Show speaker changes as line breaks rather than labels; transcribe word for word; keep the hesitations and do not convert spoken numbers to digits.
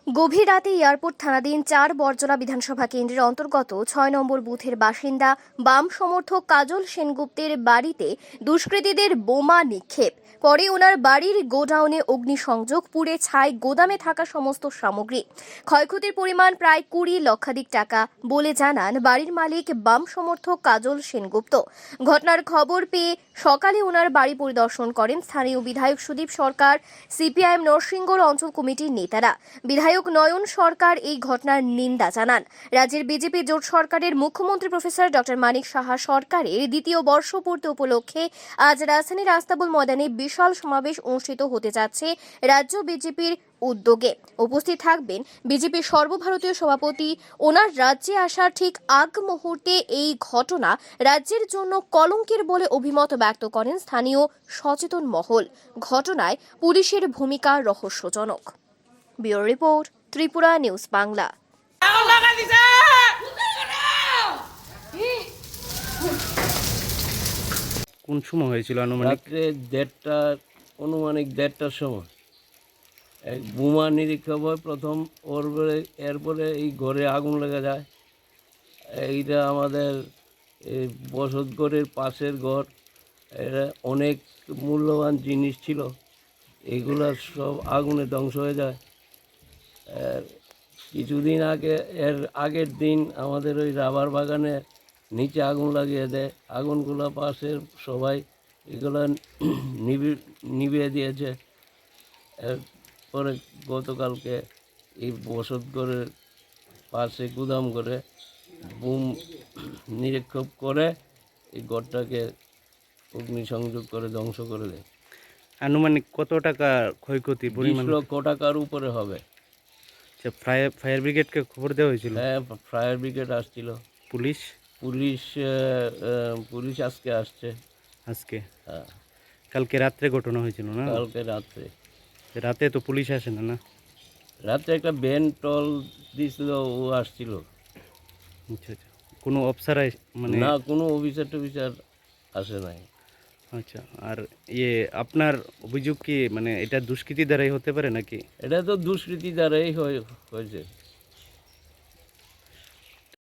গভীর রাতে এয়ারপোর্ট থানাধীন চার বরজলা বিধানসভা কেন্দ্রের অন্তর্গত ছয় নম্বর বুথের বাসিন্দা বাম সমর্থক কাজল সেনগুপ্তের বাড়িতে দুষ্কৃতীদের বোমা নিক্ষেপ। পরে ওনার বাড়ির গোডাউনে অগ্নিসংযোগ, পুড়ে ছাই গোদামে থাকা সমস্ত সামগ্রী। ক্ষয়ক্ষতির পরিমাণ প্রায় কুড়ি লক্ষাধিক টাকা বলে জানান বাড়ির মালিক বাম সমর্থক কাজল সেনগুপ্ত। ঘটনার খবর পেয়ে সকালে ওনার বাড়ি পরিদর্শন করেন স্থানীয় বিধায়ক সুদীপ সরকার, সিপিআইএম নরসিংগড় অঞ্চল কমিটির নেতারা। বিধায়ক নয়ন সরকার এই ঘটনার নিন্দা জানান। রাজ্যের বিজেপি জোট সরকারের মুখ্যমন্ত্রী প্রফেসর ডক্টর মানিক সাহা সরকারের দ্বিতীয় বর্ষপূর্তি উপলক্ষে আজ রাজধানীর আস্তাবল ময়দানে বিশাল সমাবেশ অনুষ্ঠিত হতে যাচ্ছে রাজ্য বিজেপির উদ্যোগে। উপস্থিত থাকবেন বিজেপির সর্বভারতীয় সভাপতি। ওনার রাজ্যে আসার ঠিক আগ মুহূর্তে এই ঘটনা রাজ্যের জন্য কলঙ্কের বলে অভিমত ব্যক্ত করেন স্থানীয় সচেতন মহল। ঘটনায় পুলিশের ভূমিকা রহস্যজনক। Bureau report, Tripura news Bangla.
কোন সময় হয়েছিল? আনুমানিক
রাত্রে দেড়টার অনুমানিক দেড়টার সময় এক বোমা নিরীক্ষণ হয় প্রথম, ওর পরে এরপরে এই ঘরে আগুন লেগে যায়। এইটা আমাদের এই বসতঘরের পাশের ঘর, এটা অনেক মূল্যবান জিনিস ছিল, এগুলো সব আগুনে ধ্বংস হয়ে যায়। আর কিছুদিন আগে এর আগের দিন আমাদের ওই রাবার বাগানে নিচে আগুন লাগিয়ে দেয়, আগুনগুলো পাশের সবাই এগুলো নিভি নিভিয়ে দিয়েছে। এরপরে গতকালকে এই বসত ঘরের পাশে গুদাম করে বুম নিরীক্ষণ করে এই ঘরটাকে অগ্নিসংযোগ করে ধ্বংস করে দেয়।
আনুমানিক কত টাকা ক্ষয়ক্ষতি
বিশ
পরিমাণ?
লক্ষ টাকার উপরে হবে।
ফায়ার ফায়ার ব্রিগেডকে খবর দেওয়া হয়েছিল?
হ্যাঁ, ফায়ার ব্রিগেড আসছিল।
পুলিশ
পুলিশ আহ, পুলিশ আজকে আসছে।
আজকে?
হ্যাঁ,
কালকে রাত্রে ঘটনা হয়েছিল না?
কালকে রাত্রে
রাতে তো পুলিশ আসে না? না,
রাত্রে একটা ভ্যান টল দিছিল, ও আসছিল।
আচ্ছা আচ্ছা। কোনো অফিসার মানে?
না, কোনো অফিসার টফিসার আসে নাই।
আচ্ছা। আর ইয়ে আপনার অভিযোগ কি মানে এটা দুষ্কৃতি দ্বারাই হতে পারে নাকি?
এটা তো দুষ্কৃতি দ্বারাই হয়ে- হয়েছে